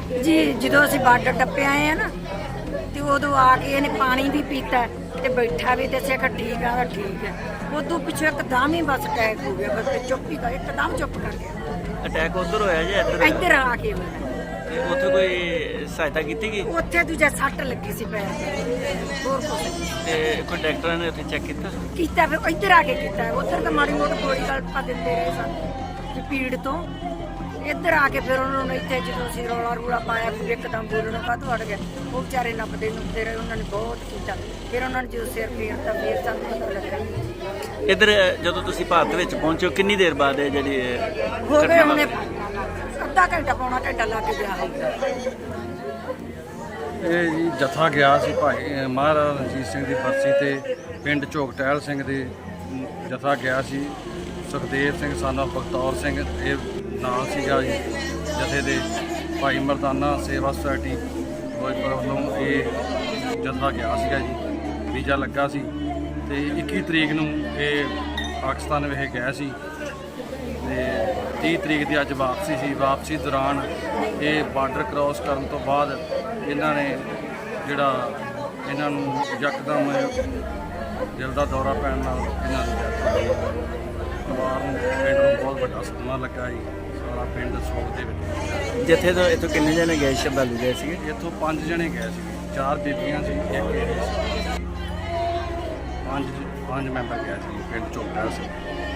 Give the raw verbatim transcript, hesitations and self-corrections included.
जी जो असीं बार्डर टप्पे आए हैं ना तो उदों आके इन्हें पानी भी पीता ते बैठा भी दस्सिया कि ठीक है ठीक है। उदों पिछों एकदम ही बस अटैक हो गया, बस चुप ही कर एकदम चुप कर गया। ਅਟੈਕ ਉਧਰ ਹੋਇਆ ਜੀ ਇੱਧਰ इधर आके होया ਤੇ ਉੱਥੇ ਕੋਈ ਸਹਾਇਤਾ ਕੀਤੀ ਗਈ उत्थे दूजा सट लगी सी पैर ते, होर कुछ नहीं ਤੇ ਕੋਈ ਡਾਕਟਰਾਂ ਨੇ ਉੱਥੇ ਚੈੱਕ ਕੀਤਾ कीता। फिर इधर आके कीता, उधर तो माड़ी मोटी गोली गल पा दिंदे रहे सन कि पीड़ तो इधर आके फिर उन्होंने इतने जो असीं रौला रूला पाया फिर एकदम बोलना काहतों हट गया। वो बेचारे नपदे नुपदे रहे, उन्होंने बहुत कीता। फिर उन्होंने जो सिर फेरता फिर सानूं पता लगा। ਇੱਧਰ ਜਦੋਂ ਤੁਸੀਂ ਭਾਰਤ ਵਿੱਚ ਪਹੁੰਚੇ ਹੋ ਕਿੰਨੀ ਦੇਰ ਬਾਅਦ ਇਹ ਜਿਹੜੀ हो गए ਘਟਨਾ उन्हें अद्धा घंटा पौना घंटा लग गया होगा। ਇਹ ਜੀ ਜਥਾ ਗਿਆ ਸੀ ਭਾਈ ਅ, ਮਹਾਰਾਜਾ ਰਣਜੀਤ ਸਿੰਘ ਦੀ ਬਰਸੀ ਤੇ ਪਿੰਡ ਝੋਕ ਟਹਿਲ ਸਿੰਘ ਦੇ ਅਮ, ਜਥਾ ਗਿਆ ਸੀ। ਸੁਖਦੇਵ ਸਿੰਘ ਸਾਨਾ ਬਖਤੌਰ ਸਿੰਘ ਇਹ ਨਾਂ ਸੀਗਾ ਜੀ ਜਥੇ ਦੇ। ਭਾਈ ਮਰਦਾਨਾ ਸੇਵਾ ਸੁਸਾਇਟੀ ਫਿਰੋਜ਼ਪੁਰ ਵੱਲੋਂ ਇਹ ਜਥਾ ਗਿਆ ਸੀਗਾ ਜੀ। ਵੀਜ਼ਾ ਲੱਗਾ ਸੀ ਤੇ ਇੱਕੀ ਤਰੀਕ ਨੂੰ ਇਹ ਪਾਕਿਸਤਾਨ ਵਿਖੇ ਗਏ ਸੀ ਤੇ ਤੀਹ ਤਰੀਕ ਦੀ ਅੱਜ ਵਾਪਸੀ ਸੀ। ਵਾਪਸੀ ਦੌਰਾਨ ਇਹ ਬਾਰਡਰ ਕ੍ਰਾਸ ਕਰਨ ਤੋਂ ਬਾਅਦ ਇਹਨਾਂ ਨੇ ਜਿਹੜਾ ਇਹਨਾਂ ਨੂੰ ਯਕਦਮ ਦਿਲ ਦਾ ਦੌਰਾ ਪੈਣ ਨਾਲ ਇਹਨਾਂ ਦੀ ਡੈਥ ਹੋ ਗਈ। ਪਰਿਵਾਰ ਨੂੰ ਪਿੰਡ ਨੂੰ ਬਹੁਤ ਵੱਡਾ ਸਦਮਾ ਲੱਗਾ ਜੀ। ਸਾਰਾ ਪਿੰਡ ਸੋਗ ਦੇ ਵਿੱਚ। ਜਿੱਥੇ ਤੋਂ ਇੱਥੋਂ ਕਿੰਨੇ ਜਣੇ ਗਏ ਸ਼ਰਧਾਲੂ ਗਏ ਸੀਗੇ ਇੱਥੋਂ ਪੰਜ ਜਣੇ ਗਏ ਸੀ, ਚਾਰ ਬੀਬੀਆਂ ਸੀ ਇੱਕ ਇਹ ਸੀ। ਪੰਜ ਪੰਜ ਮੈਂਬਰ ਗਏ ਸੀ ਪਿੰਡ ਝੋਕੜਾ ਸੀ।